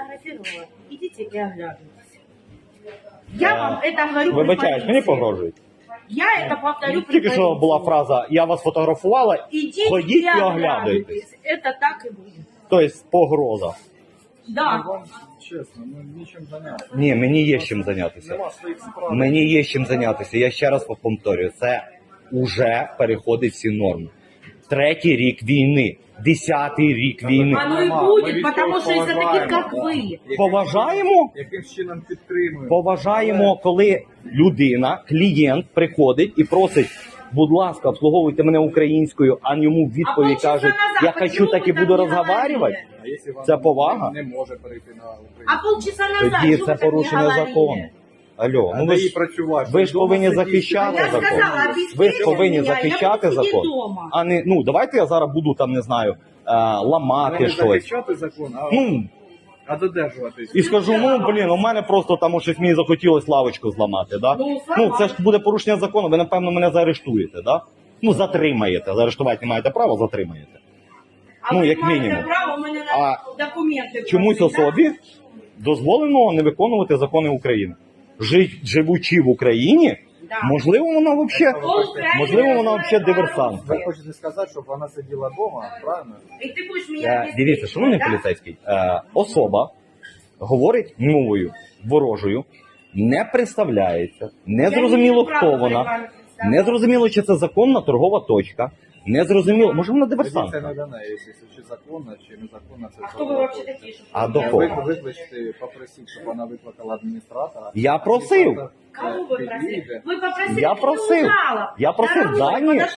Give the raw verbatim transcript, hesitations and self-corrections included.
сфотографировала. Идите и оглядывайтесь. Я вам это говорю. Вибачаюсь, мені погрожують. Я это повторю. Тільки що була фраза «я вас фотографувала», Идите ходіть и і оглядуйтесь. Это так и будет. Тобто погроза. Да. Вам чесно, ну нічим зайнятися. Ні, мені є чим зайнятися. Нема своїх справ. Мені є чим зайнятися. Я ще раз повторюю, це вже переходить всі норми. Третій рік війни, десятий рік війни. Оно и Мама, будет, мы потому ведь что из-за таких, поважаємо. как вы. Поважаємо? Яким чином підтримуємо? Поважаємо, коли людина, клієнт приходить і просить, будь ласка, обслуговуйте мене українською, а йому в А відповідь полчаса кажуть, назад я почему хочу так і ви так буду не розговарювати. говорили? А якщо вам Це повага? не може перейти на Україну? А полчаса назад Тоді что це вы так не порушення говорили? закону. Алло, ну А ви де їй ж, працювати? ви ж Дома повинні сидіти? захищати Я закон. сказала, Ви ж обеспечьте повинні меня, я захищати буду сидеть закон. дома. А не, ну, давайте я зараз буду там, не знаю, е, ламати Не щось. захищати закон, а, Ну, а додержуватись. і скажу, ну, блін, у мене просто там щось мені захотілось лавочку зламати, да? Ну, Ну, це ж буде порушення закону, ви, напевно, мене заарештуєте, да? Ну, затримаєте. Заарештувати не маєте права, затримаєте. А Ну, ви як маєте мінімум. право, у мене на А документи. Чомусь просить, да? особі дозволено не виконувати закони України. Жи- Живучи в Україні, Да. можливо, вона взагалі, Україна можливо, вона знає взагалі пару диверсант. Ви хочете сказати, щоб вона сиділа вдома, правильно? І ти будеш мене Е, обеспечувати, Дивіться, шановний да? поліцейський, е, особа говорить мовою ворожою, не представляється, не Я зрозуміло, маю хто право вона, перед вами представляти. не зрозуміло, чи це законна торгова точка, не зрозуміло, може вона Тоді це диверсантка. не до неї, якщо чи законно, чи незаконно, це А хто ви взагалі такі? щоб А ви до мене кого? Ви знали? викличте, попросіть, щоб вона викликала адміністратора. Я просив. Адміністратор, Кого е, ви просили? підійде. Ви попросили Я просив. трибунала. Я просив Дорогой, Дані. подожди.